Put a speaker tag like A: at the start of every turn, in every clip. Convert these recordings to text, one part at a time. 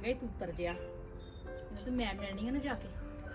A: ਗਿਆ ਤੂੰ ਉਤਰ ਜਿਆ ਇਹਨੂੰ ਤੇ ਮੈਂ ਮਿਲਣੀ ਆ ਨਾ ਜਾ ਕੇ।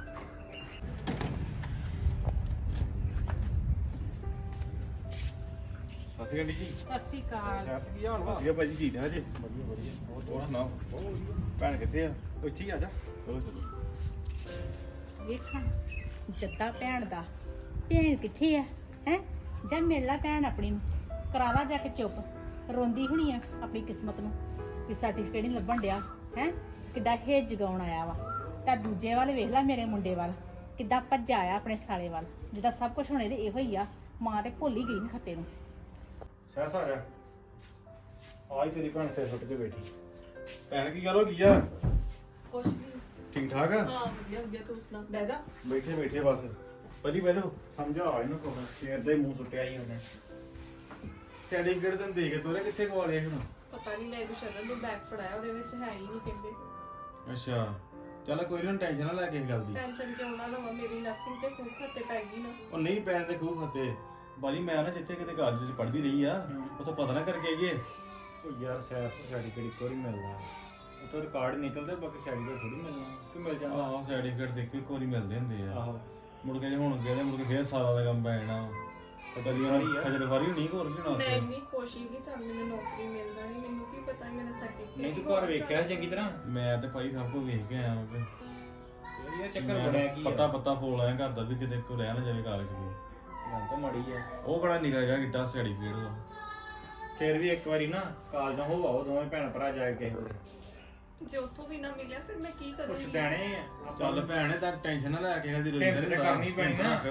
B: ਸਤਿ ਸ਼੍ਰੀ ਅਕਾਲ ਜੀ।
A: ਸਤਿ ਸ਼੍ਰੀ ਅਕਾਲ।
B: ਸਤਿ ਸ਼੍ਰੀ ਅਕਾਲ ਭਾਜੀ, ਠੀਕ ਠਾਕ ਜੀ? ਵਧੀਆ ਵਧੀਆ। ਹੋਰ ਸੁਣਾਓ, ਭੈਣ ਕਿੱਥੇ ਆ? ਇੱਥੇ ਹੀ ਆ ਜਾ। ਚਲੋ ਚਲੋ।
A: ਵੇਖਾਂ ਜੱਦਾ ਭੈਣ ਦਾ, ਭੈਣ ਕਿੱਥੇ ਆ ਹੈ? ਜਾਂ ਮਿਲ ਲਾ ਭੈਣ ਆਪਣੀ ਨੂੰ, ਕਰਾ ਲਾ ਜਾ ਕੇ ਚੁੱਪ। ਰੋਂਦੀ ਹੋਣੀ ਆ ਆਪਣੀ ਕਿਸਮਤ ਨੂੰ ਵੀ ਸਰਟੀਫਿਕੇਟ ਨਹੀਂ ਲੱਭਣ ਡਿਆ ਹੈ। ਕਿੱਡਾ ਹੇਜ ਜਗਾਉਣ ਆਇਆ ਵਾ। ਤਾਂ ਦੂਜੇ ਵੱਲ ਵੇਖ ਲੈ, ਮੇਰੇ ਮੁੰਡੇ ਵੱਲ ਕਿੱਦਾਂ ਭੱਜਾ ਆਇਆ ਆਪਣੇ ਸਾਲੇ ਵੱਲ, ਜਿੱਦਾਂ ਸਭ ਕੁਝ ਹੋਣੇ ਤੇ ਇਹੋ ਹੀ ਆ। ਮਾਂ ਤੇ ਭੁੱਲ ਹੀ ਗਈ ਨੀ ਖੱਤੇ ਨੂੰ।
C: ਸਹਿਸ ਆ ਜਾ। ਆਈ ਤੇਰੀ ਭੈਣ ਸਿਰ ਸੁੱਟ ਕੇ ਬੈਠੀ।
B: ਭੈਣ ਕੀ ਗੱਲ ਹੋ ਗਈ ਆ?
D: ਕੁਛ ਨਹੀਂ।
B: ਠੀਕ ਠਾਕ ਆ?
D: ਹਾਂ ਵਧੀਆ ਵਧੀਆ, ਤੂੰ ਸੁਣਾ। ਬਹਿ ਜਾ।
B: ਬੈਠੇ ਬੈਠੇ ਬਸ। ਪਹਿਲੀ ਬੈਠੋ।
C: ਸਮਝਾ ਇਹਨੂੰ ਕੋਹ ਸ਼ੇਰ ਦਾ ਹੀ ਮੂੰਹ ਸੁੱਟਿਆ ਹੀ ਉਹਨੇ।
B: ਸਰਟੀਫਿਕੇਟ ਤੈਨੂੰ ਦੇ ਕੇ ਤੋਰੇ ਕਿੱਥੇ ਗਵਾ ਲਿਆ ਹੁਣ?
D: ਪਤਾ ਨਹੀਂ, ਮੈਂ ਗੁਸ਼ਰਨ ਨੂੰ ਬੈਗ ਫੜਾਇਆ, ਉਹਦੇ ਵਿੱਚ ਹੈ ਹੀ ਨਹੀਂ ਕਹਿੰਦੇ।
B: ਅੱਛਾ ਚੱਲ ਕੋਈ ਨਾ, ਟੈਨਸ਼ਨ ਨਾ ਲੈ ਕਿਸੇ ਗੱਲ ਦੀ।
D: ਟੈਨਸ਼ਨ ਕਿਉਂ ਨਾ ਲਵਾਂ, ਮੇਰੀ ਨਰਸਿੰਗ ਤੇ ਖੂਬ ਖਾਤੇ ਪੈ ਗਈ ਨਾ।
B: ਉਹ ਨਹੀਂ ਪੈਣ ਦੇ ਖੂਬ ਖਾਤੇ ਬਾਜੀ। ਮੈਂ ਨਾ ਜਿੱਥੇ ਕਿਤੇ ਕਾਲਜ ਚ ਪੜ੍ਹਦੀ ਰਹੀ ਆ, ਉੱਥੋਂ ਪਤਾ ਨਾ ਕਰਕੇ ਆਈਏ।
C: ਉਹ ਯਾਰ ਸਹਿਸ ਸਰਟੀਫਿਕੇਟ ਇੱਕ ਵਾਰੀ ਮਿਲਦਾ, ਉਹ ਤੋਂ ਰਿਕਾਰਡ ਨਿਕਲਦੇ, ਬਾਕੀ ਸਰਟੀਫਿਕੇਟ ਥੋੜੀ ਮਿਲਣਾ ਕਿ ਮਿਲ ਜਾਂਦਾ।
B: ਆਹੋ ਸਰਟੀਫਿਕੇਟ ਦੇਖੋ ਇੱਕ ਵਾਰੀ ਮਿਲਦੇ ਹੁੰਦੇ ਆ।
C: ਆਹੋ
B: ਮੁੜ ਕੇ ਜੇ ਹੁਣ ਗਏ ਮੁੜ ਕੇ ਫੇਰ ਸਾਲਾਂ ਦਾ ਕੰਮ ਪੈ ਜਾਣਾ। ਖਜਰਵਾਰੀ ਨਹੀਂ ਹੋਰ ਕੀ
D: ਮੈਂ
B: ਨਾ।
D: ਇੰਨੀ ਖੁਸ਼ ਸੀ ਕਿ ਚੱਲ ਮੈਨੂੰ ਨੌਕਰੀ ਮਿਲ ਜਾਣੀ। ਮੈਨੂੰ ਕੀ ਪਤਾ ਮੇਰਾ ਸਰਟੀਫਿਕੇਟ
C: ਨਹੀਂ ਤੂੰ ਘਰ ਵੇਖਿਆ ਚੰਗੀ ਤਰ੍ਹਾਂ?
B: ਮੈਂ ਤੇ ਭਾਈ ਸਭ ਕੁਝ ਵੇਖ ਕੇ ਆਇਆ ਹਾਂ।
C: ਇਹ ਚੱਕਰ ਬਣਿਆ ਕੀ
B: ਪਤਾ ਪਤਾ ਫੋਲ ਆਇਆ ਘਰ ਦਾ ਵੀ ਕਿਤੇ ਕੋ ਰਹਿ ਨਾ ਜਾਵੇ ਕਾਗਜ਼ ਕੋਈ।
C: ਗੱਲ ਤਾਂ ਮਾੜੀ ਆ।
B: ਉਹ ਕਿਹੜਾ ਨਿਕਲ ਗਿਆ ਕਿੱਡਾ ਸਰਟੀਫਿਕੇਟ ਦਾ।
C: ਫਿਰ ਵੀ ਇੱਕ ਵਾਰੀ ਨਾ ਕਾਲਜੋਂ ਹੋ ਆਓ ਦੋਵੇਂ ਭੈਣ ਭਰਾ ਜਾ ਕੇ ਕਿਸੇ ਕੋਲ।
D: ਜੇ ਉੱਥੋਂ ਵੀ ਨਾ ਮਿਲਿਆ ਫਿਰ ਮੈਂ ਕੀ
C: ਕੁਛ
D: ਕਰੂੰਗੀ?
C: ਦੇਣੇ ਆ।
B: ਚੱਲ ਭੈਣੇ ਤਾਂ ਟੈਨਸ਼ਨ ਨਾ ਲੈ ਕੇ ਹਲਦੀ ਰੋਈ
C: ਹਿੰਮਤ ਤਾਂ ਕਰਨੀ ਪੈਣੀ ਨਾ।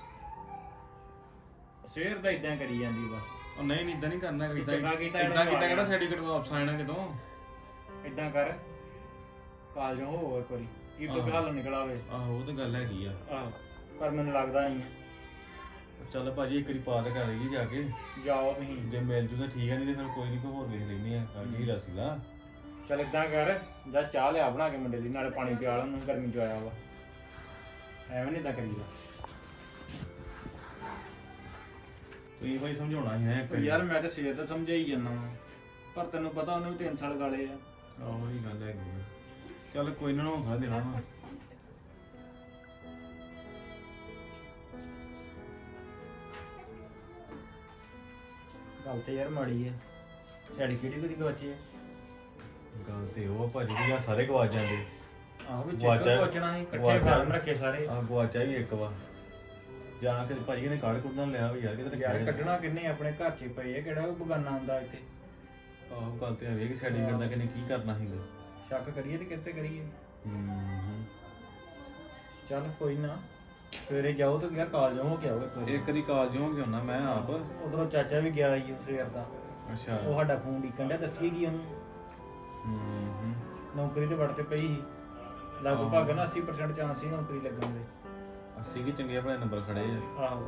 C: ਸਵੇਰ ਦਾ ਇਦਾਂ ਕਰੀ ਜਾਂਦੀ ਬਸ।
B: ਉਹ ਨਹੀਂ ਨਹੀਂ ਇਦਾਂ ਨਹੀਂ ਕਰਨਾ
C: ਚੰਗਾ ਕੀਤਾ
B: ਇਦਾਂ ਕਿਹੜਾ ਸਰਟੀਫਿਕੇਟ ਵਾਪਸ ਆਣਾ ਕਿਤੋਂ।
C: ਇਦਾਂ ਕਰ ਕਾਲਜੋਂ ਹੋ ਇੱਕ ਵਾਰੀ ਕੀ ਤੋਂ ਹੱਲ ਨਿਕਲਾਵੇ।
B: ਆਹੋ ਉਹ ਤਾਂ ਗੱਲ ਹੈਗੀ ਆ।
C: ਆਹੋ ਪਰ ਮੈਨੂੰ ਲੱਗਦਾ ਨਹੀਂ ਹੈ।
B: ਚੱਲ ਭਾਜੀ ਇੱਕ ਵਾਰੀ ਪਾ ਤੇ ਕਰ ਲਈਏ ਜਾ ਕੇ।
C: ਜਾਓ ਤੁਸੀਂ।
B: ਜੇ ਮਿਲ ਜੂ ਤਾਂ ਠੀਕ ਆ, ਨਹੀਂ ਤੇ ਫਿਰ ਕੋਈ ਨਹੀਂ ਕੋਈ ਹੋਰ ਵੇਖ ਲੈਂਦੇ ਆ ਕਾਗੀ ਰਸਲਾ।
C: ਚੱਲ ਇਦਾਂ ਕਰ ਜਾਂ ਚਾਹ ਲਿਆ ਬਣਾ ਕੇ ਮੁੰਡੇ ਲਈ, ਨਾਲੇ ਪਾਣੀ ਪਿਆ ਉਹਨੂੰ, ਗਰਮੀ ਚ ਆਇਆ ਵਾ। ਐਵੇਂ ਨਹੀਂ ਇਦਾਂ ਕਰੀਦਾ।
B: ਤੁਸੀਂ ਭਾਈ ਸਮਝਾਉਣਾ ਹੀ ਹੈ
C: ਯਾਰ ਮੈਂ ਤਾਂ ਸਵੇਰ ਦਾ ਸਮਝਾਈ ਜਾਂਦਾ ਵਾਂ, ਪਰ ਤੈਨੂੰ ਪਤਾ ਉਹਨੇ ਵੀ 3 ਸਾਲ ਗਾਲੇ ਆ।
B: ਆਹੋ ਹੀ ਗੱਲ ਹੈਗੀ ਆ। ਚੱਲ ਕੋਈ ਨਾ ਹੌਸਲਾ ਦੇਣਾ ਵਾ।
C: ਗੱਲ ਤੇ ਯਾਰ ਮਾੜੀ ਹੈ। ਸਾਡੀ ਕਿਹੜੀ ਕੋਈ ਗਵਾਚੀ ਹੈ?
B: ਗੱਲ ਤੇ ਉਹ ਭਾਜੀ ਵੀ ਆ ਸਾਰੇ ਗਵਾਚ ਜਾਂਦੇ।
C: ਆਹੋ ਵੀ
B: ਗਵਾਚਾ-
C: ਚੇਕ ਪਹੁੰਚਣਾ ਸੀ, ਇਕੱਠੇ
B: ਗਵਾਚਾ-
C: ਫਾਰਮ ਰੱਖੇ ਸਾਰੇ।
B: ਆ ਗਵਾਚਾ ਹੀ ਇੱਕ ਵਾ। ਜਾਂ ਕਿ ਭਾਜੀ ਨੇ ਕਾਰਡ ਕੁੱਟਣ ਲਿਆ ਵੀ ਯਾਰ ਕਿਤੇ
C: ਯਾਰ ਕੱਢਣਾ ਕਿੰਨੇ, ਆਪਣੇ ਘਰ 'ਚ ਪਏ ਆ, ਕਿਹੜਾ ਉਹ ਬਗਾਨਾ ਹੁੰਦਾ ਇੱਥੇ।
B: ਆਹੋ ਗੱਲ ਤੇ ਹੈ ਕਿ ਸਰਟੀਫਿਕੇਟ ਦਾ ਕਿਨੇ ਕੀ ਕਰਨਾ ਸੀਗਾ।
C: ਸ਼ੱਕ ਕਰੀਏ ਤੇ ਕਿੱਥੇ ਕਰੀਏ।
B: ਹੂੰ
C: ਚੱਲ ਕੋਈ ਨਾ, ਸਵੇਰੇ ਜਾਓ ਤੇ ਯਾਰ ਕਾਲਜ ਹੋ ਕੇ ਆਓ ਇੱਕ ਵਾਰੀ।
B: ਇੱਕ ਵਾਰੀ ਕਾਲਜ ਹੋ ਕੇ ਆਉਣਾ ਮੈਂ ਆਪ।
C: ਉਧਰੋਂ ਚਾਚਾ ਵੀ ਗਿਆ ਸੀ ਸਵੇਰ ਦਾ।
B: ਅੱਛਾ
C: ਉਹ ਸਾਡਾ ਫੋਨ ਡੀਕਣ ਡਿਆ, ਦੱਸੀਏ ਕੀ ਉਹਨੂੰ।
B: ਹੂੰ
C: ਨੌਕਰੀ ਤੇ ਵੜ ਤੇ ਪਈ ਸੀ, ਲਗਭਗ ਨਾ 80% ਚਾਂਸ ਸੀ ਨੌਕਰੀ ਲੱਗਣ ਦੇ।
B: ਅਸੀਂ ਵੀ ਚੰਗੇ ਆਪਣੇ ਨੰਬਰ ਖੜੇ ਆ।
C: ਆਹੋ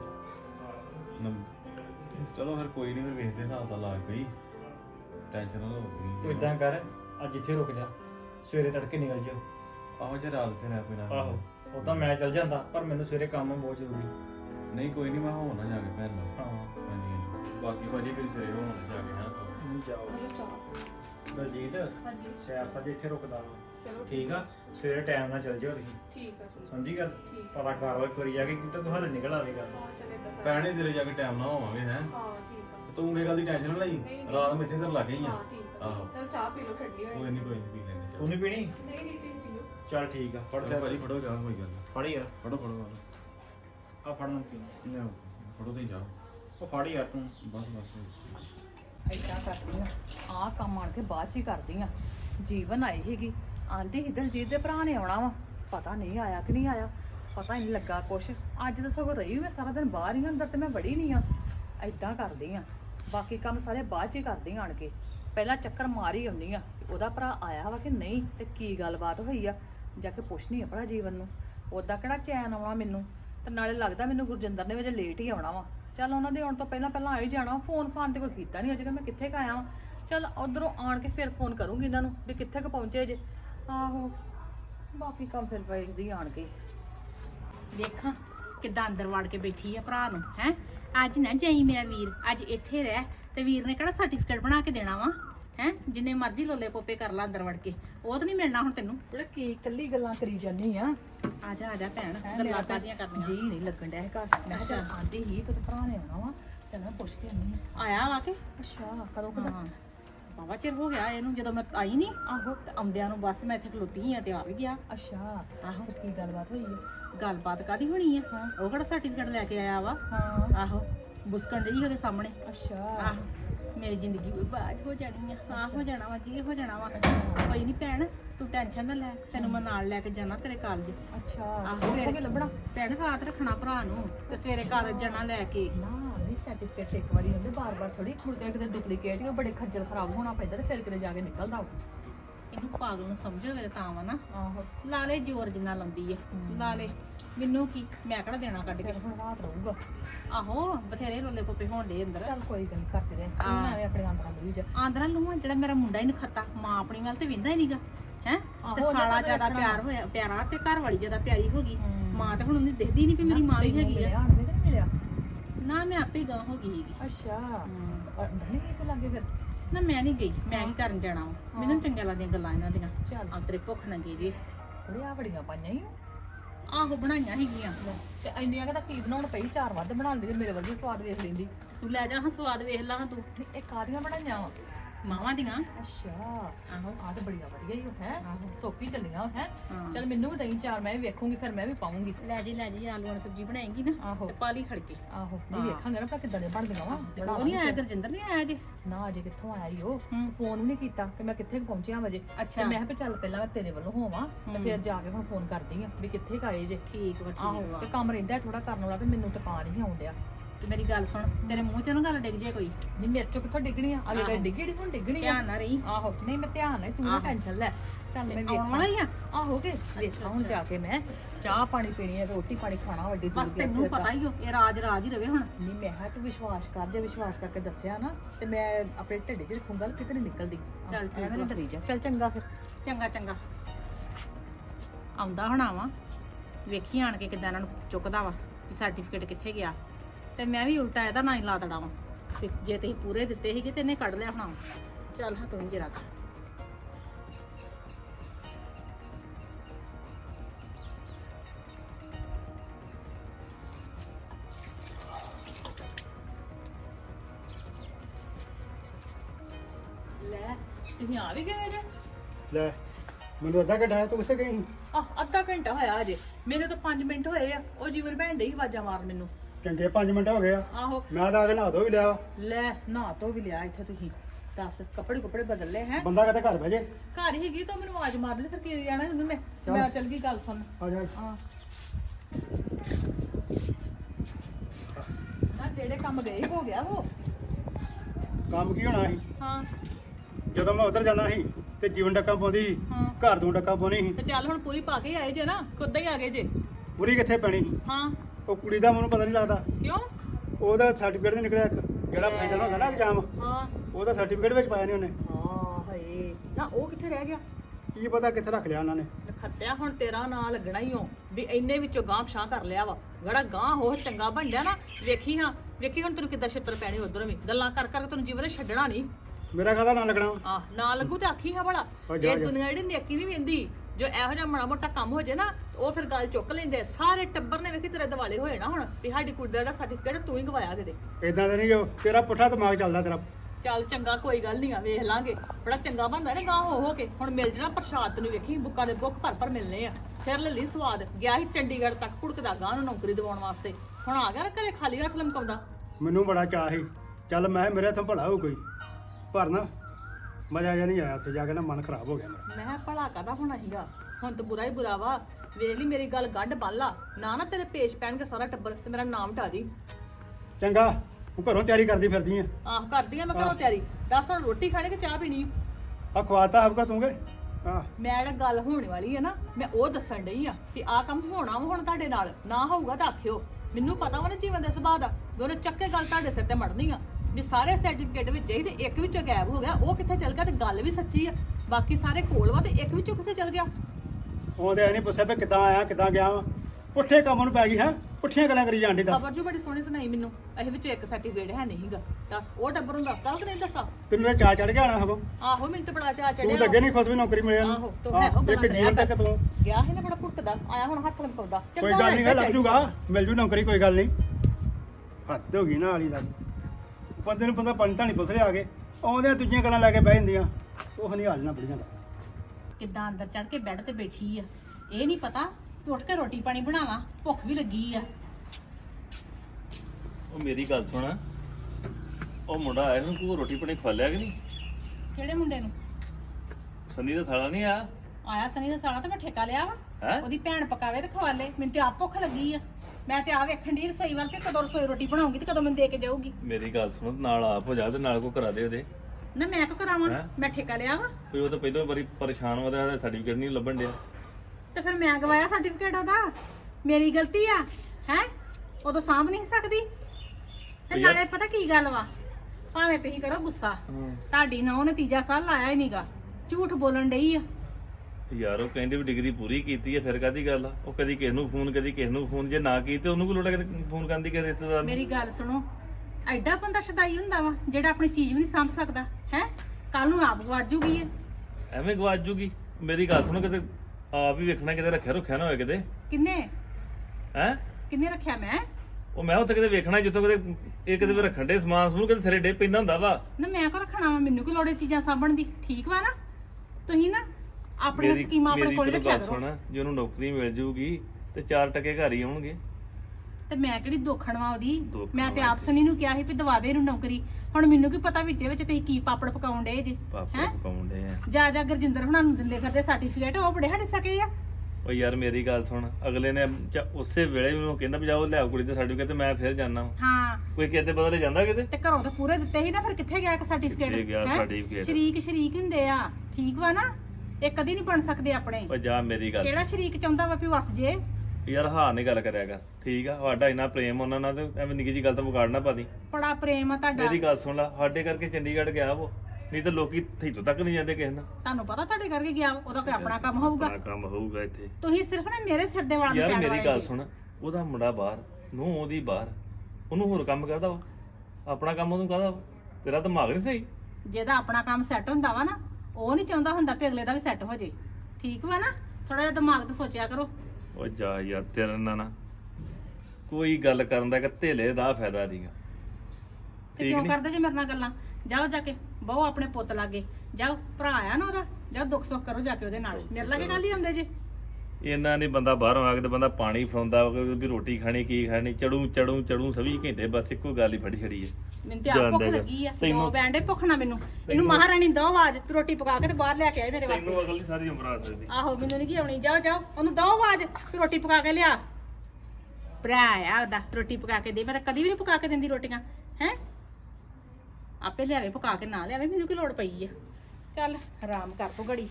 B: ਚਲੋ ਫਿਰ ਕੋਈ ਨਹੀਂ, ਫਿਰ ਵੇਖਦੇ ਹਿਸਾਬ ਦਾ ਲਾ ਕੋਈ ਟੈਨਸ਼ਨ ਨਾ ਲਓ
C: ਤੂੰ
B: ਕੋਈ।
C: ਇਦਾਂ ਕਰ, ਅੱਜ ਇੱਥੇ ਰੁਕ ਜਾ, ਸਵੇਰੇ ਤੜਕੇ ਨਿਕਲ ਜਿਓ।
B: ਆਹੋ ਜੇ ਰਾਤ ਚ ਰਹਿ ਪੈਣਾ।
C: ਆਹੋ ਉਦਾਂ ਮੈਂ ਚੱਲ ਜਾਂਦਾ, ਪਰ ਮੈਨੂੰ ਸਵੇਰੇ ਕੰਮ ਬਹੁਤ ਜ਼ਰੂਰੀ।
B: ਨਹੀਂ ਕੋਈ ਨਹੀਂ, ਮੈਂ ਹੋਣਾ ਜਾ ਕੇ ਭੈਣ ਨਾਲ।
C: ਹਾਂ
B: ਹਾਂਜੀ ਹਾਂਜੀ ਬਾਕੀ ਭਾਜੀ ਕੋਈ ਸਿਰੇ ਹੋਣਾ ਜਾ ਕੇ ਹਾਂ।
C: ਜਾਓ
D: ਹਲੋ ਚਾਹ।
C: ਦਲਜੀਤ,
D: ਹਾਂਜੀ
C: ਸ਼ਹਿਰ ਸਾਹਿਬ ਇੱਥੇ ਰੁਕਦਾ ਵਾ,
D: ਚਲੋ
C: ਠੀਕ ਆ? ਸਵੇਰੇ ਟਾਈਮ ਨਾਲ ਚੱਲ ਜਿਓ ਤੁਸੀਂ,
D: ਠੀਕ ਆ ਠੀਕ
C: ਸਮਝੀ ਗੱਲ?
D: ਠੀਕ।
C: ਪਤਾ ਕਰੋ ਇੱਕ ਵਾਰੀ ਜਾ ਕੇ, ਕਿਤੇ ਤੂੰ ਹੱਲ ਨਿਕਲ ਆਵੇਗਾ।
D: ਹਾਂ ਚਲੇ ਤਾਂ
B: ਭੈਣੇ ਸਿਰੇ ਜਾ ਕੇ ਟਾਈਮ ਨਾਲ ਹੋਵਾਂਗੇ ਹੈ।
D: ਹਾਂ ਠੀਕ ਆ।
B: ਤੂੰ ਇਹ ਗੱਲ ਦੀ ਟੈਨਸ਼ਨ ਨਾ ਲਈ।
D: ਨਹੀਂ।
B: ਰਾਤ ਨੂੰ ਇੱਥੇ ਤਾਂ ਲੱਗ ਗਈ ਆ।
D: ਹਾਂ ਠੀਕ ਆ।
B: ਆਹੋ।
D: ਚਲ ਚਾਹ ਪੀ ਲਓ, ਠੰਡੀ ਹੋਈ।
B: ਕੋਈ ਨਹੀਂ ਪੀ ਲੈਣੇ
C: ਤੂੰ ਨਹੀਂ ਪੀਣੀ?
D: ਨਹੀਂ ਨਹੀਂ ਤੁਸੀਂ ਪੀ ਲਓ।
C: ਚੱਲ ਠੀਕ ਆ, ਫੜ
B: ਚਲ ਭਾਜੀ ਫੜੋ ਜਾ ਕੋਈ ਗੱਲ ਨਹੀਂ।
C: ਫੜ ਯਾਰ,
B: ਫੜੋ ਫੜੋ
C: ਆ ਫੜਨ ਪੀਣਾ।
B: ਲਿਆਓ ਫੜੋ ਤੇ ਜਾਓ।
C: ਉਹ ਫੜ ਯਾਰ ਤੂੰ।
B: ਬਸ ਬਸ
A: ਏਦਾਂ ਕਰਦੀ ਆ, ਆਹ ਕੰਮ ਆਣ ਕੇ ਬਾਅਦ ਚ ਹੀ ਕਰਦੀ ਆ। ਜੀਵਨ ਆਈ ਸੀਗੀ, ਆਂਦੀ ਸੀ ਦਲਜੀਤ ਦੇ ਭਰਾ ਨੇ ਆਉਣਾ ਵਾ, ਪਤਾ ਨਹੀਂ ਆਇਆ ਕਿ ਨਹੀਂ ਆਇਆ, ਪਤਾ ਹੀ ਨਹੀਂ ਲੱਗਾ ਕੁਛ। ਅੱਜ ਤਾਂ ਸਗੋਂ ਰਹੀ ਮੈਂ ਸਾਰਾ ਦਿਨ ਬਾਹਰ ਹੀ ਆ, ਅੰਦਰ ਤੇ ਮੈਂ ਵੜੀ ਨਹੀਂ ਆ। ਏਦਾਂ ਕਰਦੀ ਆ, ਬਾਕੀ ਕੰਮ ਸਾਰੇ ਬਾਅਦ ਚ ਹੀ ਕਰਦੀ ਆਣ ਕੇ। ਪਹਿਲਾਂ ਚੱਕਰ ਮਾਰ ਹੀ ਆਉਂਦੀ ਆ ਉਹਦਾ ਭਰਾ ਆਇਆ ਵਾ ਕਿ ਨਹੀਂ, ਤੇ ਕੀ ਗੱਲਬਾਤ ਹੋਈ ਆ, ਜਾ ਕੇ ਪੁੱਛਣੀ ਆ ਭਰਾ ਜੀਵਨ ਨੂੰ। ਉੱਦਾਂ ਕਿਹੜਾ ਚੈਨ ਆਉਣਾ ਮੈਨੂੰ, ਤੇ ਨਾਲੇ ਲੱਗਦਾ ਮੈਨੂੰ ਗੁਰਜਿੰਦਰ ਨੇ ਵਜੇ ਲੇਟ ਹੀ ਆਉਣਾ ਵਾ। ਚੱਲ ਉਹਨਾਂ ਦੇ ਆਉਣ ਤੋਂ ਪਹਿਲਾਂ ਪਹਿਲਾਂ ਆ ਹੀ ਜਾਣਾ। ਫੋਨ ਫਾਨ ਤੇ ਕੋਈ ਕੀਤਾ ਨਹੀਂ ਅਜੇ ਕਿ ਮੈਂ ਕਿੱਥੇ ਕੁ ਆਇਆ ਵਾਂ। ਚੱਲ ਉਧਰੋਂ ਆਣ ਕੇ ਫਿਰ ਫੋਨ ਕਰੂੰਗੀ ਇਹਨਾਂ ਨੂੰ ਵੀ ਕਿੱਥੇ ਕੁ ਪਹੁੰਚੇ ਜੇ। ਆਹੋ ਬਾਕੀ ਕੰਮ ਫਿਰ ਵੇਖਦੀ ਆਣ ਕੇ। ਵੇਖਾਂ ਕਿੱਦਾਂ ਅੰਦਰ ਵੜ ਕੇ ਬੈਠੀ ਆ ਭਰਾ ਨੂੰ ਹੈ। ਅੱਜ ਨਾ ਜਾਈ ਮੇਰਾ ਵੀਰ, ਅੱਜ ਇੱਥੇ ਰਹਿ, ਤੇ ਵੀਰ ਨੇ ਕਿਹੜਾ ਸਰਟੀਫਿਕੇਟ ਬਣਾ ਕੇ ਦੇਣਾ ਵਾ
E: ਹੈ ਜਿੰਨੇ ਮਰਜ਼ੀ ਲੋਲੇ ਪੋਪੇ ਕਰ ਲਾ ਅੰਦਰ ਵੜ ਕੇ ਉਹ ਤਾਂ ਨਹੀਂ ਮਿਲਣਾ ਹੁਣ ਤੈਨੂੰ
A: ਬੜਾ ਕੀ ਇਕੱਲੀ ਗੱਲਾਂ ਕਰੀ ਜਾਨੀ ਆ
E: ਆ ਜਾ ਭੈਣ
A: ਹੈਂ,
E: ਗੱਲਾਂ
A: ਮੇਰਾ ਤਾਂ
E: ਕਾਦੀਆਂ ਕਰਨੀਆਂ
A: ਜੀ ਨਹੀਂ ਲੱਗਣ ਡਿਆ ਇਹ ਘਰ ਮੈਂ ਕਿਹਾ ਚੱਲ ਆਂਦੀ ਹੀ ਤੇ ਭਰਾ ਨੇ ਆਉਣਾ ਵਾ ਚੱਲ ਮੈਂ ਪੁੱਛ ਕੇ ਆਨੀ ਆ
E: ਆਇਆ ਵਾ ਕੇ
A: ਅੱਛਾ ਕਦੋਂ ਕਦਾ
E: ਹਾਂ ਬਾਬਾ ਚਿਰ ਹੋ ਗਿਆ ਇਹਨੂੰ ਜਦੋਂ ਮੈਂ ਆਈ ਨਹੀਂ ਆਹੋ ਤੇ ਆਉਂਦਿਆਂ ਨੂੰ ਬਸ ਮੈਂ ਇੱਥੇ ਖਲੋਤੀ ਆ ਤੇ ਆ ਵੀ ਗਿਆ
A: ਅੱਛਾ
E: ਆਹੋ
A: ਫਿਰ ਕੀ ਗੱਲਬਾਤ ਹੋਈ ਹੈ
E: ਗੱਲਬਾਤ ਕਾਦੀ ਹੋਣੀ ਆ ਉਹ ਕਿਹੜਾ ਸਰਟੀਫਿਕੇਟ ਲੈ ਕੇ ਆਇਆ ਵਾ
A: ਹਾਂ
E: ਆਹੋ ਬੁਸਕਣ ਡਈ ਉਹਦੇ ਸਾਹਮਣੇ
A: ਅੱਛਾ
E: ਆਹੋ ਮੇਰੀ ਜ਼ਿੰਦਗੀ ਬਰਬਾਦ ਹੋ ਜਾਣੀ ਆ ਆ ਹੋ ਜਾਣਾ ਵਾ ਜੀ ਹੋ ਜਾਣਾ ਵਾ ਕੋਈ ਨਹੀਂ ਭੈਣ ਤੂੰ ਟੈਨਸ਼ਨ ਨਾ ਲੈ ਤੈਨੂੰ ਮੈਂ ਨਾਲ ਲੈ ਕੇ ਜਾਣਾ ਤੇਰੇ ਕਾਲਜ
A: ਅੱਛਾ
E: ਆਹੋ
A: ਸਵੇਰੇ
E: ਸਵੇਰੇ
A: ਲੱਭਣਾ
E: ਭੈਣ ਰਾਤ ਰੱਖਣਾ ਭਰਾ ਨੂੰ ਤੇ ਸਵੇਰੇ ਕਾਲਜ ਜਾਣਾ ਲੈ ਕੇ
A: ਨਾ ਨਹੀਂ ਸਰਟੀਫਿਕੇਟ ਇੱਕ ਵਾਰੀ ਹੁੰਦੇ ਬਾਰ-ਬਾਰ ਥੋੜੀ ਮੁੜ ਕੇ ਕਿਤੇ ਡੁਪਲੀਕੇਟ ਹੀ ਉਹ ਬੜੇ ਖੱਜਲ ਖਰਾਬ ਹੋਣਾ ਪੈਂਦਾ ਤੇ ਫਿਰ ਕਿਤੇ ਜਾ ਕੇ ਨਿਕਲਦਾ ਉਹ
E: ਇਹਨੂੰ ਪਾਗਲ ਨੂੰ ਸਮਝੋ ਮੇਰੇ ਤਾਂ ਵਾ ਨਾ
A: ਆਹੋ
E: ਲਾ ਲੈ ਜ਼ੋਰ ਜਿੰਨਾ ਲਾਉਂਦੀ ਏ ਲਾ ਲੈ ਮੈਨੂੰ ਕੀ ਮੈਂ ਕਿਹੜਾ ਦੇਣਾ ਕੱਢ ਕੇ
A: ਫਿਰ ਹੁਣ ਰਾਤ ਰਹੂਗਾ
E: ਆਹੋ ਬਥੇਰੇ ਲੋਲੇ ਪੋਪੇ ਹੋਣ ਡੇ ਅੰਦਰ
A: ਚੱਲ ਕੋਈ ਗੱਲ ਨੀ, ਕਰਦੇ ਰਹੇ ਤੂੰ ਨਾ ਐਵੇਂ ਆਪਣੇ ਅੰਦਰਾਂ ਮਰੀ ਜਾ
E: ਆਂਦਰਾਂ ਲੂਆ ਜਿਹੜਾ ਮੇਰਾ ਮੁੰਡਾ ਹੀ ਨਹੀਂ ਖੱਤਾ ਮਾਂ ਆਪਣੀ ਵੱਲ ਤੇ ਵਿੰਦਾ ਹੀ ਨਹੀਂਗਾ ਹੈ ਤੇ
A: ਉਹਨੇ
E: ਸਾਲਾ
A: ਤਾਂ
E: ਜ਼ਿਆਦਾ
A: ਵੇਖਣਾ।
E: ਪਿਆਰ ਹੋਇਆ ਪਿਆਰਾ ਤੇ ਘਰ ਵਾਲੀ ਜ਼ਿਆਦਾ ਪਿਆਰੀ ਹੋ ਗਈ ਮਾਂ ਤੇ ਹੁਣ ਉਹਨੂੰ ਦਿਖਦੀ ਨਹੀਂ ਵੀ ਮੇਰੀ ਮਾਂ ਵੀ ਹੈਗੀ ਆ
A: ਆਣ ਨਹੀਂ ਮਿਲਿਆ
E: ਨਾ ਮੈਂ ਆਪੇ ਗਾਂ ਹੋ ਗਈ ਹੈਗੀ
A: ਅੱਛਾ ਅੰਦਰ ਨਹੀਂ ਗਈ ਤੂੰ ਲੱਗੇ ਫਿਰ
E: ਨਾ ਮੈਂ ਨਹੀਂ ਗਈ ਮੈਂ ਕੀ ਕਰਨ ਜਾਣਾ ਵਾ ਮੈਨੂੰ ਚੰਗੀਆਂ ਲੱਗਦੀਆਂ ਗੱਲਾਂ ਇਹਨਾਂ ਦੀਆਂ
A: ਚੱਲ
E: ਆ ਤੇਰੇ ਭੁੱਖ ਨਾ ਗਈ ਜੀ
A: ਉਹਦੇ ਆ ਬੜੀਆਂ ਪਾਈਆਂ ਹੀ
E: ਆਹੋ ਬਣਾਈਆਂ ਹੈਗੀਆਂ
A: ਤੇ ਇੰਨੀਆਂ ਕਿਹਦਾ ਕੀ ਬਣਾਉਣ ਪਈ ਚਾਰ ਵੱਧ ਬਣਾ ਲੈਂਦੀ ਤੇ ਮੇਰੇ ਵਰਗੀ ਸਵਾਦ ਵੇਖ ਲੈਂਦੀ
E: ਤੂੰ ਲੈ ਜਾ ਹਾਂ ਸਵਾਦ ਵੇਖ ਲਾ ਹਾਂ ਤੂੰ
A: ਨਹੀਂ, ਇਹ ਕਾਦੀਆਂ ਬਣਾਈਆਂ ਵਾ
E: ਮਾਵਾਂ ਦੀਆਂ
A: ਅੱਛਾ
E: ਆਹੋ
A: ਆਹ ਤੇ ਬੜੀਆਂ ਵਧੀਆ ਹੀ ਹੈ
E: ਆਹੋ।
A: ਸੋਕੀ ਚੱਲੀਆਂ ਹੈ
E: ਹਾਂ।
A: ਚੱਲ ਮੈਨੂੰ ਵੀ ਦਹੀਂ ਚਾਰ ਮੈਂ ਵੀ ਵੇਖੂੰਗੀ ਫਿਰ ਮੈਂ ਵੀ ਪਾਉਂਗੀ
E: ਲੈ ਜੀ ਆਲੂਆਂ ਦੀ ਸਬਜ਼ੀ ਬਣਾਏਗੀ ਨਾ
A: ਆਹੋ
E: ਤੇ ਪਾਲੀ ਖੜਕੇ
A: ਆਹੋ ਨਹੀਂ ਵੇਖਾਂਗੇ ਨਾ ਭਲਾ ਕਿੱਦਾਂ ਦੇ ਬਣਦੀਆਂ ਵਾ
E: ਉਹ ਨਹੀਂ ਆਇਆ ਗੁਰਜਿੰਦਰ ਨਹੀਂ ਆਇਆ ਜੇ
A: ਨਾ ਅਜੇ ਕਿੱਥੋਂ ਆਇਆ ਈ ਉਹ
E: ਹੂੰ।
A: ਫੋਨ ਵੀ ਨਹੀਂ ਕੀਤਾ ਕਿ ਮੈਂ ਕਿੱਥੇ ਕੁ ਪਹੁੰਚਿਆ ਵਜੇ
E: ਅੱਛਾ।
A: ਤੇ ਮੈਂ ਕਿਹਾ ਵੀ ਚੱਲ ਪਹਿਲਾਂ ਮੈਂ ਤੇਰੇ ਵੱਲੋਂ ਹੋਵਾਂ ਤੇ ਫਿਰ ਜਾ ਕੇ ਹੁਣ ਫੋਨ ਕਰਦੀ ਆ ਵੀ ਕਿੱਥੇ ਕਾਏ ਜੇ
E: ਠੀਕ ਵਾ
A: ਆਹੋ
E: ਠੀਕ ਵਾ
A: ਤੇ ਕੰਮ ਰਹਿੰਦਾ ਥੋੜਾ ਕਰਨ ਵਾਲਾ ਤੇ ਮੈਨੂੰ ਟਪਾ ਨਹੀਂ ਆਉਣ ਡਿਆ
E: ਤੇ ਮੇਰੀ ਗੱਲ ਸੁਣ ਤੇਰੇ ਮੂੰਹ ਚ ਨਾ ਗੱਲ ਡਿੱਗ ਜੇ ਕੋਈ
A: ਨਹੀਂ ਮੇਰੇ ਚੋਂ ਕਿੱਥੋਂ ਡਿੱਗਣੀ ਆ ਅਗੇ
E: ਆਹੋ।
A: ਡਿੱਗਣੀ ਹੁਣ ਡਿੱਗਣੀ ਆ
E: ਧਿਆਨ ਨਾ ਰਹੀ
A: ਆਹੋ ਨਹੀਂ ਮੈਂ ਧਿਆਨ ਨਾਲ ਤੂੰ ਨਾ
E: ਆਹੋ।
A: ਟੈਨਸ਼ਨ ਲੈ ਚੱਲ ਮੈਂ
E: ਆਉਣ
A: ਵੇਖਾਂ
E: ਵਾਲਾ ਹੀ ਆ
A: ਆਹੋ ਕੇ ਵੇਖਾਂ ਹੁਣ ਜਾ ਕੇ ਮੈਂ ਚਾਹ ਪਾਣੀ ਪੀਣੀ ਹੈ ਰੋਟੀ ਪਾਣੀ ਖਾਣਾ ਵੱਡੀ ਦੂਰ
E: ਬਸ
A: ਗਿਆ
E: ਤੈਨੂੰ ਪਤਾ ਹੀ ਹੋ ਇਹ ਰਾਜ ਹੀ ਰਵੇ ਹੁਣ
A: ਨਹੀਂ ਮੈਂ ਕਿਹਾ ਤੂੰ ਵਿਸ਼ਵਾਸ ਕਰ ਜੇ ਵਿਸ਼ਵਾਸ ਕਰਕੇ ਦੱਸਿਆ ਨਾ ਤੇ ਮੈਂ ਆਪਣੇ ਢਿੱਡ 'ਚ ਰੱਖੂੰਗਾ ਕਿਤੇ ਨਹੀਂ ਨਿਕਲਦੀ
E: ਚੱਲ ਠੀਕ
A: ਐਵੇਂ ਨਾ
E: ਵਾ।
A: ਡਰੀ ਜਾ ਚੱਲ ਚੰਗਾ ਫਿਰ
E: ਚੰਗਾ ਆਉਂਦਾ ਹੋਣਾ ਵਾ ਵੇਖੀ ਆਣ ਕੇ ਕਿਦਾਂ ਇਹਨਾਂ ਨੂੰ ਚੁੱਕਦਾ ਵਾ ਵੀ ਸਰਟੀਫਿਕੇਟ ਕਿੱਥੇ ਗਿਆ ਤੇ ਮੈਂ ਵੀ ਉਲਟਾ ਇਹਦਾ ਨਾਂ ਹੀ ਲਾ ਦੇਣਾ ਵਾ ਵੀ ਜੇ ਤੁਸੀਂ ਪੂਰੇ ਦਿੱਤੇ ਸੀਗੇ ਤੇ ਇਹਨੇ ਕੱਢ ਲਿਆ ਹੋਣਾ ਵਾ। ਚੱਲ ਹਾਂ ਤੂੰ ਜਰਾ
A: ਲੈ ਤੁਸੀਂ ਆ ਵੀ ਗਏ ਜੇ
F: ਲੈ ਮੈਨੂੰ ਅੱਧਾ ਘੰਟਾ ਤੂੰ ਕਿੱਥੇ ਗਈ ਸੀ?
A: ਅੱਧਾ ਘੰਟਾ ਹੋਇਆ ਅਜੇ ਮੈਨੂੰ ਤਾਂ 5 ਮਿੰਟ ਹੋਏ ਆ ਉਹ ਜੀਵਰ ਭੈਣ ਡਈ ਆਵਾਜ਼ਾਂ ਮਾਰ ਮੈਨੂੰ
F: ਚੰਗੇ 5 ਮਿੰਟ ਹੋ ਗਏ ਆ
A: ਆਹੋ
F: ਮੈਂ ਤਾਂ ਆ ਕੇ ਨਹਾ ਧੋ ਵੀ ਲਿਆ ਵਾ।
A: ਲੈ ਨਹਾ ਧੋ ਵੀ ਲਿਆ ਇੱਥੇ ਤੁਸੀਂ ਦੱਸ ਕੱਪੜੇ ਬਦਲ ਲਏ ਹੈ
F: ਬੰਦਾ ਕਿਤੇ ਘਰ ਬਹਿ ਜੇ
A: ਘਰ ਹੀ ਹੈਗੀ ਤਾਂ ਮੈਨੂੰ ਆਵਾਜ਼ ਮਾਰ ਲਈ ਫਿਰ ਕੀ ਜਾਣਾ ਉਹਨੂੰ ਮੈਂ ਚੱਲ ਗਈ ਗੱਲ ਸੁਣ
F: ਆ ਜਾ
A: ਹਾਂ ਨਾ ਜਿਹੜੇ ਕੰਮ ਗਏ ਹੋ ਗਿਆ ਉਹ
F: ਕੰਮ ਕੀ ਹੋਣਾ ਸੀ
A: ਹਾਂ
F: ਜਦੋਂ ਮੈਂ ਉਧਰ ਜਾਣਾ ਸੀ ਤੇ ਜੀਵਨ ਡੱਕਾ ਪਾਉਂਦੀ ਸੀ
A: ਹਾਂ
F: ਘਰ ਤੋਂ ਡੱਕਾ ਪਾਉਣੀ ਸੀ
A: ਤੇ ਚੱਲ ਹੁਣ ਪੂਰੀ ਪਾ ਕੇ ਹੀ ਆਏ ਜੇ ਨਾ ਖੁਦ ਹੀ ਆ ਗਏ ਜੇ
F: ਪੂਰੀ ਕਿੱਥੇ ਪੈਣੀ ਸੀ
A: ਹਾਂ
F: ਉਹ ਕੁੜੀ ਦਾ ਮੈਨੂੰ ਪਤਾ ਨਹੀਂ ਲੱਗਦਾ
A: ਕਿਉਂ
F: ਉਹਦਾ ਸਰਟੀਫਿਕੇਟ ਨਹੀਂ ਨਿਕਲਿਆ ਇੱਕ ਜਿਹੜਾ ਫਾਈਨਲ ਹੁੰਦਾ ਨਾ ਐਗਜ਼ਾਮ
A: ਹਾਂ
F: ਉਹਦਾ ਸਰਟੀਫਿਕੇਟ ਵਿੱਚ ਪਾਇਆ ਨਹੀਂ ਉਹਨੇ
A: ਹਾਏ ਨਾ ਉਹ ਕਿੱਥੇ ਰਹਿ ਗਿਆ
F: ਕੀ ਪਤਾ ਕਿੱਥੇ ਰੱਖ ਲਿਆ ਉਹਨਾਂ ਨੇ
A: ਖੱਤਿਆ ਹੁਣ ਤੇਰਾ ਨਾਂ ਲੱਗਣਾ ਹੀ ਹੋ ਵੀ ਇੰਨੇ ਵਿੱਚੋਂ ਗਾਂਹ ਪਛਾਂ ਕਰ ਲਿਆ ਵਾ ਗੜਾ ਗਾਂਹ ਹੋ ਚੰਗਾ ਬਣ ਗਿਆ ਨਾ ਵੇਖੀ ਹੁਣ ਤੈਨੂੰ ਕਿੱਦਾਂ ਛਿੱਤਰ ਪੈਣੀ ਉਧਰ ਵੀ ਗੱਲਾਂ ਕਰ ਤੈਨੂੰ ਜੀਵਨ ਛੱਡਣਾ ਨਹੀਂ
F: ਮੇਰਾ ਕਾਹਦਾ ਨਾਂ ਲੱਗਣਾ ਵਾ?
A: ਆਹ ਨਾ ਲੱਗੂ ਤੇ ਆਖੀ ਹਾਂ ਭਲਾ
F: ਉਹ ਜਾ
A: ਇਹ
F: ਜਾ।
A: ਦੁਨੀਆ ਜਿਹੜੀ ਨੇਕੀ ਨਹੀਂ ਵੇਂਦੀ ਜੋ ਇਹੋ ਜਿਹਾ ਮਾੜਾ ਮੋਟਾ ਕੰਮ ਹੋ ਜੇ ਨਾ ਉਹ ਫਿਰ ਗੱਲ ਚੁੱਕ ਲੈਂਦੇ ਸਾਰੇ ਟੱਬਰ ਨੇ ਵੇਖੀ ਤੇਰੇ ਦਿਵਾਲੇ ਹੋਏ ਨਾ ਹੁਣ ਵੀ ਸਾਡੀ ਕੁੜੀ ਦਾ ਜਿਹੜਾ ਸਰਟੀਫਿਕੇਟ ਤੂੰ ਹੀ ਗਵਾਇਆ ਕਿਤੇ
F: ਏਦਾਂ ਦੇ ਨਹੀਂ ਤੇਰਾ ਪੁੱਠਾ ਦਿਮਾਗ ਚੱਲਦਾ ਤੇਰਾ
A: ਚੱਲ ਚੰਗਾ ਕੋਈ ਗੱਲ ਨਹੀਂ ਆ ਵੇਖ ਲਾਂਗੇ ਬੜਾ ਚੰਗਾ ਬਣਦਾ ਨਾ ਗਾਂ ਹੋ ਕੇ ਹੁਣ ਮਿਲ ਜਣਾ ਪ੍ਰਸ਼ਾਦ ਤੈਨੂੰ ਵੇਖੀ ਬੁੱਕਾਂ ਦੇ ਬੁੱਕ ਭਰ ਮਿਲਨੇ ਆ ਫਿਰ ਲੈ ਲਈ ਸਵਾਦ ਗਿਆ ਸੀ ਚੰਡੀਗੜ੍ਹ ਤੱਕ ਕੁੜਕਦਾ ਗਾਂ ਨੂੰ ਨੌਕਰੀ ਦਿਵਾਉਣ ਵਾਸਤੇ ਹੁਣ ਆ ਗਿਆ ਨਾ ਘਰੇ ਖਾਲੀ ਹੱਥ ਲਮਕਾਉਂਦਾ
F: ਮੈਨੂੰ ਬੜਾ ਚਾਅ ਸੀ ਚੱਲ ਮੈਂ ਕਿਹਾ ਮੇਰੇ ਹੱਥੋਂ ਭਲਾ ਹੋ ਕੋਈ ਪਰ ਨਾ ਮਜ਼ਾ ਜਿਹਾ ਨਹੀਂ ਆਇਆ ਉੱਥੇ ਜਾ ਕੇ ਨਾ ਮਨ ਖਰਾਬ ਹੋ ਗਿਆ ਮੇਰਾ
A: ਮੈਂ ਕਿਹਾ ਭਲਾ ਕਾਹਦਾ ਹੋਣਾ ਸੀਗਾ ਹੁਣ ਤਾਂ ਬੁਰਾ ਹੀ ਬੁਰਾ ਵਾ ਵੇਖ ਲਈ ਮੇਰੀ ਗੱਲ ਗੰਢ ਬੰਲਾ ਨਾ ਤੇਰੇ ਪੇਸ਼ ਪੈਣਗੇ ਸਾਰਾ ਟੱਬਰ ਤੇ ਮੇਰਾ ਨਾਮ ਢਾ ਦੀ
F: ਚੰਗਾ ਤੂੰ ਘਰੋਂ ਤਿਆਰੀ ਕਰਦੀ ਫਿਰਦੀ ਆ
A: ਆਹ ਕਰਦੀ ਆ ਮੈਂ ਘਰੋਂ ਤਿਆਰੀ ਦੱਸ ਹੁਣ ਰੋਟੀ ਖਾਣੀ ਕਿ ਚਾਹ ਪੀਣੀ
F: ਆ ਖਵਾਤਾ ਆਪਕਾ ਤੂੰਗੇ ਆ
A: ਮੈਂ ਜਿਹੜਾ ਗੱਲ ਹੋਣ ਵਾਲੀ ਆ ਨਾ ਮੈਂ ਉਹ ਦੱਸਣ ਡਈ ਆ ਕਿ ਆਹ ਕੰਮ ਹੋਣਾ ਵਾ ਹੁਣ ਤੁਹਾਡੇ ਨਾਲ ਨਾ ਹੋਊਗਾ ਤਾਂ ਆਖਿਓ ਮੈਨੂੰ ਪਤਾ ਵਾ ਨਾ ਜੀਵਨ ਦੇ ਸੁਭਾਅ ਦਾ ਦੋਨੇ ਚੱਕੇ ਗੱਲ ਤੁਹਾਡੇ ਸਿਰ ਤੇ ਮੜਨੀ ਆ ਵੀ ਸਾਰੇ ਸਰਟੀਫਿਕੇਟ ਵਿੱਚ ਹੀ ਤੇ ਇੱਕ ਵਿੱਚੋਂ ਗਾਇਬ ਹੋ ਗਿਆ ਉਹ ਕਿੱਥੇ ਚਲ ਗਿਆ ਤੇ ਗੱਲ ਵੀ ਸੱਚੀ ਆ ਬਾਕੀ ਸਾਰੇ ਕੋਲ ਵਾ ਤੇ ਇੱਕ ਵਿੱਚੋਂ ਕਿੱਥੇ ਚਲ ਗਿਆ
F: ਆਉਂਦੇ ਨਹੀਂ ਪੁੱਛਿਆ ਵੀ ਕਿੱਦਾਂ ਆਇਆ ਕਿੱਦਾਂ ਗਿਆ ਵਾ ਪੁੱਠੇ ਕੰਮ ਨੂੰ ਪੈ ਗਈ ਹੈ ਪੁੱਠੀਆਂ ਗੱਲਾਂ ਕਰੀ ਜਾਂਦੇ ਦੱਸ
A: ਖਬਰ ਜੋ ਬੜੀ ਸੋਹਣੀ ਸੁਣਾਈ ਮੈਨੂੰ ਇਹ ਵਿੱਚ ਇੱਕ ਸਰਟੀਫਿਕੇਟ ਹੈ ਨਹੀਂਗਾ ਦੱਸ ਉਹ ਟੱਬਰ ਨੂੰ ਦੱਸਦਾ ਕਿ ਨਹੀਂ ਦੱਸਦਾ
F: ਤੈਨੂੰ ਤਾਂ ਚਾਅ ਚੜ ਗਿਆ ਨਾ ਸਗੋਂ
A: ਆਹੋ ਮੈਨੂੰ ਤੇ ਬੜਾ ਚਾਅ
F: ਤੂੰ ਤਾਂ
A: ਚੜਿਆ
F: ਅੱਗੇ ਨਹੀਂ ਖੁਸ਼ ਵੀ ਨੌਕਰੀ ਮਿਲਿਆ ਨੂੰ।
A: ਆਹੋ, ਤੂੰ ਇਹੋ ਗੱਲਾਂ
F: ਇੱਕ ਜੀਵਨ ਤੱਕ ਤੂੰ
A: ਗਿਆ ਸੀ ਨਾ ਬੜਾ ਭੁੱਟਦਾ ਆਇਆ ਹੁਣ ਹੱਥ ਲੰਕਾਉਂਦਾ
F: ਕੋਈ ਗੱਲ ਨਹੀਂ ਲੱਗ ਜੂਗਾ ਮਿਲ ਜੂ ਨੌਕਰੀ ਕੋਈ ਗੱਲ ਨਹੀਂ ਹੱਦ ਹੋ ਗਈ ਨਾ ਵਾਲੀ ਦੱਸ ਬੰਦੇ ਨੂੰ ਬੰਦਾ ਪਾਣੀ ਧਾਣੀ ਪੁੱਛ ਰਿਹਾ ਆ ਕੇ ਆਉਂਦੇ ਦੂਜੀਆਂ ਗੱਲਾਂ ਲੈ ਕੇ ਬਹਿ ਜਾਂਦੀਆਂ ਉਹ ਨਹੀਂ ਹਾਲ ਨਾ ਬੜੀਆਂ ਦਾ
E: ਕਿੱਦਾਂ ਅੰਦਰ ਚੜ ਕੇ ਬੈੱਡ ਤੇ ਬੈਠੀ ਆ ਇਹ ਨਹੀਂ ਪਤਾ ਤੂੰ ਉੱਠ ਕੇ ਰੋਟੀ ਪਾਣੀ ਬਣਾ ਲਾ ਭੁੱਖ ਵੀ ਲੱਗੀ ਆ।
G: ਉਹ ਮੇਰੀ ਗੱਲ ਸੁਣ ਉਹ ਮੁੰਡਾ ਆਇਆ ਨੂੰ ਕੋਈ ਰੋਟੀ ਪਾਣੀ ਖਵਾ ਲਿਆ ਕਿ ਨਹੀਂ?
E: ਕਿਹੜੇ ਮੁੰਡੇ ਨੂੰ?
G: ਸੰਨੀ ਦਾ ਸਾਲਾ ਨਹੀਂ ਆ?
E: ਆਇਆ ਸਨੀ ਦਾ ਸਾਲਾ ਤੇ ਮੈਂ ਠੇਕਾ ਲਿਆ ਵਾ
G: ਹੈਂ?
E: ਉਹਦੀ ਭੈਣ ਪਕਾਵੇ ਤੇ ਖਵਾ ਲੇ ਮੈਨੂੰ ਤੇ ਆਪ ਭੁੱਖ ਲੱਗੀ ਆ ਮੈਂ ਤੇ ਆ ਵੇਖਣ ਦੀ ਰਸੋਈ ਵੱਲ ਕਿ ਕਦੋਂ ਰਸੋਈ ਰੋਟੀ ਬਣਾਉਂਗੀ ਤੇ ਕਦੋਂ ਮੈਨੂੰ ਦੇ ਕੇ ਜਾਊਗੀ।
G: ਮੇਰੀ ਗੱਲ ਸੁਣ ਨਾਲ ਆਪ ਹੋ ਜਾ ਤੇ ਨਾਲ ਕੋ ਕਰਾ ਦੇ ਉਹਦੇ।
E: ਨਾ ਮੈਂ ਕਿਉਂ ਕਰਾਵਾਂ
G: ਹੈਂ?
E: ਮੈਂ ਠੇਕਾ ਲਿਆ ਵਾ
G: ਕੋਈ ਉਹ ਤਾਂ ਪਹਿਲਾਂ ਬੜੀ ਪਰੇਸ਼ਾਨ ਉਹਦਾ ਸਰਟੀਫਿਕੇਟ ਨਹੀਂ ਲੱਭਣ ਡਿਆ।
E: ਤੇ ਫਿਰ ਮੈਂ ਗਵਾਇਆ ਸਰਟੀਫਿਕੇਟ ਉਹਦਾ ਮੇਰੀ ਗਲਤੀ ਆ ਹੈ ਉਦੋਂ ਸਾਂਭ ਨਹੀਂ ਸਕਦੀ ਤੇ ਨਾਲੇ ਪਤਾ ਕੀ ਗੱਲ ਵਾ ਭਾਵੇਂ ਤੁਸੀਂ ਕਰੋ ਗੁੱਸਾ ਤੁਹਾਡੀ ਨਾ ਉਹਨੇ ਤੀਜਾ ਸਾਲ ਲਾਇਆ ਹੀ ਨਹੀਂਗਾ ਝੂਠ ਬੋਲਣ ਡਈ ਆ।
G: ਯਾਰ ਉਹ ਕਹਿੰਦੇ ਵੀ ਡਿਗਰੀ ਪੂਰੀ ਕੀਤੀ ਹੈ ਫਿਰ ਕਾਦੀ ਗੱਲ ਆ? ਉਹ ਕਦੀ ਕਿਸ ਨੂੰ ਫੋਨ ਕਦੀ ਕਿਸ ਨੂੰ ਫੋਨ, ਜੇ ਨਾ ਕੀਤੀ ਉਹਨੂੰ ਕੋਈ ਲੋੜ ਹੈ ਫੋਨ ਕਰਨ ਦੀ ਕਿ ਰਿਸ਼ਤੇਦਾਰ ਨੂੰ?
E: ਮੇਰੀ ਗੱਲ ਸੁਣੋ ਐਡਾ ਬੰਦਾ ਸ਼ਦਾਈ ਹੁੰਦਾ ਵਾ ਜਿਹੜਾ ਆਪਣੀ ਚੀਜ਼ ਵੀ ਨਹੀਂ ਸਾਂਭ ਸਕਦਾ ਹੈ ਕੱਲ ਨੂੰ ਆਪ ਗਵਾਜੂਗੀ ਇਹ।
G: ਐਵੇਂ ਗਵਾਚ ਜੂਗੀ। ਮੇਰੀ ਗੱਲ ਸੁਣੋ ਕਿਤੇ ਆਪ ਹੀ ਵੇਖਣਾ ਕਿਤੇ ਰੱਖਿਆ ਰੁੱਖਿਆ ਨਾ ਹੋਏ ਕਿਤੇ।
E: ਕਿੰਨੇ
G: ਹੈ
E: ਕਿੰਨੇ ਰੱਖਿਆ ਮੈਂ?
G: ਉਹ ਮੈਂ ਉੱਥੇ ਕਿਤੇ ਵੇਖਣਾ ਜਿੱਥੋਂ ਕਿਤੇ ਇਹ ਕਿਤੇ ਵੀ ਰੱਖਣ ਦੇ ਸਮਾਨ ਸਮੂਨ ਕਿਤੇ ਥੱਲੇ ਡੇ ਪੈਂਦਾ ਹੁੰਦਾ ਵਾ।
E: ਨਾ ਮੈਂ ਕੋ ਰੱਖਣਾ ਵਾ ਮੈਨੂੰ ਕੀ ਲੋੜ ਇਹ ਚੀਜ਼ਾਂ ਸਾਂਭਣ ਦੀ ਠੀਕ ਵਾ ਨਾ ਤੁਸੀਂ ਨਾ ਆਪਣੀਆਂ ਸਕੀਮਾਂ ਆਪਣੇ ਕੋਲ
G: ਮੇਰੀ
E: ਰੱਖਿਆ
G: ਗੱਲ
E: ਕਰੋ।
G: ਸੁਣ ਜੇ ਉਹਨੂੰ ਨੌਕਰੀ ਮਿਲ ਜੂਗੀ ਤੇ 4 ਟਕੇ ਘਰ ਹੀ ਆਉਣਗੇ।
E: ਤੇ ਮੈਂ ਕਿਹੜੀ ਦੋਖਣ ਵਾ ਉਹਦੀ
G: ਦੋਖਣ
E: ਮੈਂ ਤੇ
G: ਵਾ
E: ਆਪ ਸਨੀ ਨੂੰ ਕਿਹਾ ਸੀ ਵੀ ਦਵਾ ਦੇ ਇਹਨੂੰ ਨੌਕਰੀ ਹੁਣ ਮੈਨੂੰ ਕੀ ਪਤਾ ਵਿੱਚ ਤੁਸੀਂ ਕੀ ਪਾਪੜ ਪਕਾਉਣ ਡੇ ਜੇ
G: ਪਾਪਾ
E: ਹੈਂ?
G: ਪਕਾਉਂਦੇ ਆ।
E: ਜਾ ਗੁਰਜਿੰਦਰ ਹੁਣਾਂ ਨੂੰ ਦਿੰਦੇ ਫਿਰਦੇ ਸਰਟੀਫਿਕੇਟ ਉਹ ਬੜੇ ਸਾਡੇ ਸਕੇ ਆ।
G: ਉਹ ਯਾਰ ਮੇਰੀ ਗੱਲ ਸੁਣ ਅਗਲੇ ਨੇ ਉਸੇ ਵੇਲੇ ਮੈਨੂੰ ਕਹਿੰਦਾ ਵੀ ਜਾਓ ਲਿਆਓ ਕੁੜੀ ਦਾ ਸਰਟੀਫਿਕੇਟ ਤੇ ਮੈਂ ਫਿਰ ਜਾਣਾ।
E: ਹਾਂ
G: ਕੋਈ ਕਿਤੇ ਬਦਲੇ ਜਾਂਦਾ ਕਿਤੇ?
E: ਤੇ ਘਰੋਂ ਤਾਂ ਪੂਰੇ ਦਿੱਤੇ ਸੀ ਨਾ ਫਿਰ ਕਿੱਥੇ ਗਿਆ ਇੱਕ ਸਰਟੀਫਿਕੇਟ
G: ਕਿੱਥੇ ਗਿਆ certificate?
E: ਸ਼ਰੀਕ ਹੁੰਦੇ ਆ ਠੀਕ ਵਾ ਨਾ ਇਹ ਕਦੀ ਨਹੀਂ ਬਣ ਸਕਦੇ ਆਪਣੇ।
G: ਉਹ ਜਾ ਮੇਰੀ ਗੱਲ
E: ਕਿਹੜਾ ਸ਼ਰੀਕ ਚਾਹੁੰਦਾ ਵਾ ਵੀ ਵਸ ਜੇ।
G: ਯਾਰ ਹਾਂ ਨਹੀਂ ਗੱਲ ਕਰਿਆ ਕਰ ਠੀਕ ਆ? ਸਾਡਾ ਇੰਨਾ ਪ੍ਰੇਮ ਉਹਨਾਂ ਨਾਲ ਤੇ ਐਵੇਂ ਨਿੱਕੀ ਜੀ ਗੱਲ ਤਾਂ ਵਿਗਾੜਨਾ ਪਾਦੀ।
E: ਬੜਾ ਪ੍ਰੇਮ ਆ ਤੁਹਾਡਾ।
G: ਮੇਰੀ ਗੱਲ ਸੁਣ ਲੈ ਸਾਡੇ ਕਰਕੇ ਚੰਡੀਗੜ੍ਹ ਗਿਆ ਉਹ ਨਹੀਂ ਤਾਂ ਲੋਕੀ ਇੱਥੋਂ ਤੱਕ ਨਹੀਂ ਜਾਂਦੇ ਕਿਸੇ ਨਾਲ।
E: ਤੁਹਾਨੂੰ ਪਤਾ ਤੁਹਾਡੇ ਕਰਕੇ ਗਿਆ ਵਾ, ਉਹਦਾ ਕੋਈ ਆਪਣਾ ਕੰਮ ਹੋਊਗਾ।
G: ਆਪਣਾ ਕੰਮ ਹੋਊਗਾ ਇੱਥੇ।
E: ਤੁਸੀਂ ਸਿਰਫ ਨਾ ਮੇਰੇ ਸਿਰ ਦੇ ਵਾਲਾਂ ਨੂੰ
G: ਯਾਰ
E: ਪੈਣ
G: ਮੇਰੀ
E: ਵਾਲੇ
G: ਗੱਲ
E: ਜੀ।
G: ਸੁਣ ਉਹਦਾ ਮੁੰਡਾ ਬਾਹਰ ਨੂੰ ਉਹਦੀ ਬਾਹਰ ਉਹਨੂੰ ਹੋਰ ਕੰਮ ਕਰਦਾ ਵਾ ਆਪਣਾ ਕੰਮ ਉਹਨੂੰ ਕਰਦਾ ਵਾ। ਤੇਰਾ ਦਿਮਾਗ ਨਹੀਂ ਸਹੀ?
E: ਜਿਹਦਾ ਆਪਣਾ ਕੰਮ ਸੈੱਟ ਹੁੰਦਾ ਵਾ ਨਾ ਉਹ ਨਹੀਂ ਚਾਹੁੰਦਾ ਹੁੰਦਾ ਵੀ ਅਗਲੇ ਦਾ ਵੀ ਸੈੱਟ ਹੋ ਜੇ ਠੀਕ ਵਾ ਨਾ ਥੋੜਾ ਜਿਹਾ ਦਿਮਾਗ ਤੇ ਸੋਚਿਆ ਕਰੋ।
G: ਉਹ ਜਾ ਯਾਰ ਤੇਰੇ ਨਾਲ ਨਾ ਕੋਈ ਗੱਲ ਕਰਨ ਦਾ ਕਿ ਧੇਲੇ ਦਾ ਫਾਇਦਾ ਨਹੀਂਗਾ।
E: ਤੇ ਕਿਉਂ ਕਰਦੇ ਜੇ ਮੇਰੇ ਨਾਲ ਗੱਲਾਂ? ਜਾਓ ਜਾ ਕੇ ਬਹੁ ਆਪਣੇ ਪੁੱਤ ਲਾਗੇ ਜਾਓ ਭਰਾ ਆ ਨਾ ਉਹਦਾ ਜਾਓ ਦੁੱਖ ਸੁੱਖ ਕਰੋ ਜਾ ਕੇ ਉਹਦੇ ਨਾਲ ਮੇਰੇ ਲਾਗੇ ਗੱਲ ਹੀ ਹੁੰਦੇ ਜੇ।
G: ਇਹਨਾਂ ਨੇ ਬੰਦਾ ਬਾਹਰੋਂ ਆ ਕੇ ਤੇ ਬੰਦਾ ਪਾਣੀ ਫੜਾਉਂਦਾ ਵੀ ਰੋਟੀ ਖਾਣੀ ਕੀ ਖਾਣੀ ਚੜੂ 24 ਘੰਟੇ ਬਸ ਇੱਕੋ ਗੱਲ ਹੀ ਫੜੀ ਛੜੀ ਹੈ।
E: ਮੈਨੂੰ ਤੇ ਆਪ ਭੁੱਖ ਲੱਗੀ ਆ
G: ਤੈਨੂੰ-
E: ਦੋ ਬੈਂਡੇ ਭੁੱਖ ਨਾ ਮੈਨੂੰ ਇਹਨੂੰ ਮਹਾਰਾਣੀ ਦੋ ਆਵਾਜ਼ ਤੂੰ ਰੋਟੀ ਪਕਾ ਕੇ ਤੇ ਬਾਹਰ ਲੈ ਕੇ ਆਏ ਮੇਰੇ ਵਾਸਤੇ।
G: ਤੈਨੂੰ ਅਗਲੀ ਸਾਰੀ ਉਮਰ ਆ ਸਕਦੀ।
E: ਆਹੋ ਮੈਨੂੰ ਨਹੀਂ ਕੀ ਆਉਣੀ ਜਾਓ ਉਹਨੂੰ ਦੋ ਆਵਾਜ਼ ਤੂੰ ਰੋਟੀ ਪਕਾ ਕੇ ਲਿਆ। ਭਰਾ ਆ ਉਹਦਾ ਰੋਟੀ ਪਕਾ ਕੇ ਦੇ ਮੈਂ ਤਾਂ ਕਦੀ ਵੀ ਨਹੀਂ ਪਕਾ ਕੇ ਦਿੰਦੀ ਰੋਟੀਆਂ ਹੈ ਆਪੇ ਲਿਆਵੇ ਪਕਾ ਕੇ ਨਾ ਲਿਆਵੇ ਮੈਨੂੰ ਕੀ ਲੋੜ ਪਈ ਆ। ਚੱਲ ਆਰਾਮ ਕਰ ਤੂੰ ਘੜੀ।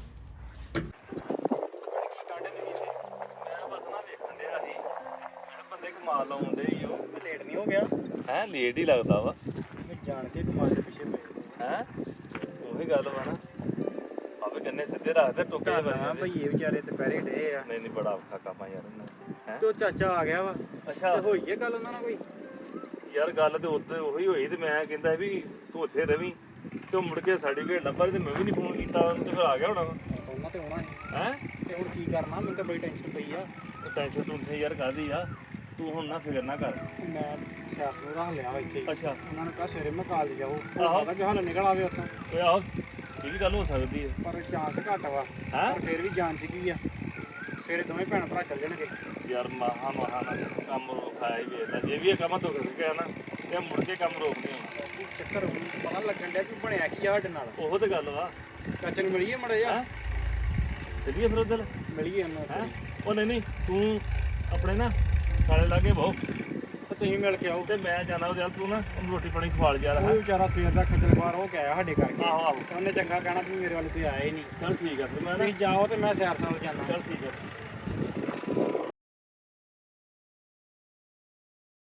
G: ਮੈਂ ਬਸ ਨਾ ਵੇਖਣ ਡਿਆ ਸੀ ਬੰਦੇ ਕਮਾਲ ਲਾਉਂਦੇ ਹੀ ਉਹ
F: ਲੇਟ ਨਹੀਂ ਹੋ ਗਿਆ
G: ਹੈ ਲੇਟ ਹੀ ਲੱਗਦਾ ਵਾ
F: ਮੈਂ ਜਾਣ ਕੇ ਕਮਾਲ ਦੇ ਪਿੱਛੇ ਪਏ
G: ਹੈ ਉਹੀ ਗੱਲ ਵਾ ਨਾ ਆਪੇ ਗੰਨੇ ਸਿੱਧੇ ਰੱਖਦੇ ਟੋਕੇ
F: ਹਾਂ
G: ਬਣ
F: ਭਈਏ ਵਿਚਾਰੇ ਦੁਪਹਿਰੇ ਡੇ ਆ
G: ਨਹੀਂ ਬੜਾ ਔਖਾ ਕੰਮ ਆ ਯਾਰ ਹੈ
F: ਤੇ ਉਹ ਚਾਚਾ ਆ ਗਿਆ ਵਾ
G: ਅੱਛਾ
F: ਤੇ ਹੋਈ ਹੈ ਗੱਲ ਉਹਨਾਂ ਨਾਲ ਕੋਈ?
G: ਯਾਰ ਗੱਲ ਤੇ ਉੱਤੇ ਉਹੀ ਹੋਈ ਤੇ ਮੈਂ ਕਹਿੰਦਾ ਵੀ ਤੂੰ ਉੱਥੇ ਰਵੀਂ ਤੇ ਉਹ ਮੁੜ ਕੇ ਸਰਟੀਫਿਕੇਟ ਲੱਭਾ ਤੇ ਮੈਂ ਵੀ ਨਹੀਂ ਫੋਨ ਕੀਤਾ ਉਹਨੂੰ ਤੇ ਫਿਰ ਆ ਗਿਆ ਹੋਣਾ
F: ਉਹਨਾਂ ਤੇ ਆਉਣਾ ਸੀ
G: ਹੈ
F: ਤੇ ਹੁਣ ਕੀ ਕਰਨਾ ਮੈਨੂੰ ਤਾਂ ਬੜੀ ਟੈਨਸ਼ਨ ਪਈ ਆ।
G: ਟੈਨਸ਼ਨ ਤੂੰ ਤੇ ਯਾਰ ਕਾਹਦੀ ਆ ਤੂੰ ਹੁਣ ਨਾ ਫਿਕਰ ਨਾ ਕਰ।
F: ਮੈਂ ਸਿਆਸਤ ਰੱਖ ਲਿਆ ਵਾ ਇੱਥੇ ਹੀ।
G: ਅੱਛਾ
F: ਉਹਨਾਂ ਨੇ ਕਿਹਾ ਸਵੇਰੇ ਮੈਂ ਕਾਲਜ ਜਾਊ
G: ਆਹੋ।
F: ਹੋ ਸਕਦਾ ਕਿ ਹਾਲੇ ਨਿਕਲ ਆਵੇ ਉੱਥੋਂ
G: ਓਏ ਆਹੋ ਇਹ ਵੀ ਗੱਲ ਹੋ ਸਕਦੀ ਹੈ
F: ਪਰ ਚਾਂਸ ਘੱਟ ਵਾ
G: ਹੈਂ?
F: ਪਰ ਫਿਰ ਵੀ ਜਾਣ ਚ ਕੀ ਆ ਸਵੇਰੇ ਦੋਵੇਂ ਭੈਣ ਭਰਾ ਚੱਲ ਜਾਣਗੇ।
G: ਯਾਰ ਮਹਾ ਨਾ ਕੰਮ ਰੋਖਾਇਆ ਹੀ ਵੇਖਦਾ ਜੇ ਵੀ ਇਹ ਕੰਮ ਤੋਂ ਕਰ ਗਿਆ ਨਾ ਤੇ ਮੁੜ ਕੇ ਕੰਮ ਰੋਕ ਨਹੀਂ ਹੋਣਾ।
F: ਉਹ ਚੱਕਰ ਹੁਣ ਪਤਾ ਲੱਗਣ ਡਿਆ ਵੀ ਬਣਿਆ ਕੀ ਆ ਸਾਡੇ ਨਾਲ।
G: ਉਹੋ ਤੇ ਗੱਲ ਵਾ
F: ਚਾਚੇ ਨੂੰ ਮਿਲੀਏ ਮੜਾ ਜਾ
G: ਹੈਂ? ਚੱਲੀਏ ਫਿਰ ਉਧਰ
F: ਮਿਲੀਏ ਉਹਨੂੰ
G: ਹੈ ਉਹ ਨਹੀਂ ਤੂੰ ਆਪਣੇ ਨਾ ਸਾਲੇ ਲਾਗੇ ਬਹੁ
F: ਤੇ ਤੁਸੀਂ ਮਿਲ ਕੇ ਆਓ।
G: ਤੇ ਮੈਂ ਜਾਣਾ ਉਹਦੇ ਨਾਲ ਤੂੰ ਨਾ ਉਹਨੂੰ ਰੋਟੀ ਪਾਣੀ ਖਵਾਲ ਜਾ
F: ਉਹ
G: ਹੈ
F: ਵਿਚਾਰਾ ਸਵੇਰ ਦਾ ਖੱਜਲ ਖਵਾਰ ਹੋ ਕੇ ਆਇਆ ਸਾਡੇ ਕਰਕੇ।
G: ਆਹੋ ਆਹੋ
F: ਤੇ ਉਹਨੇ ਚੰਗਾ ਕਹਿਣਾ ਵੀ ਮੇਰੇ ਵੱਲ ਕੋਈ ਆਇਆ ਹੀ ਨਹੀਂ।
G: ਚੱਲ ਠੀਕ ਆ ਫਿਰ ਮੈਂ ਨਾ
F: ਤੁਸੀਂ ਜਾਓ ਤੇ ਮੈਂ ਸੈਰ ਸਾਲ ਜਾਣਾ।
G: ਚੱਲ ਠੀਕ ਆ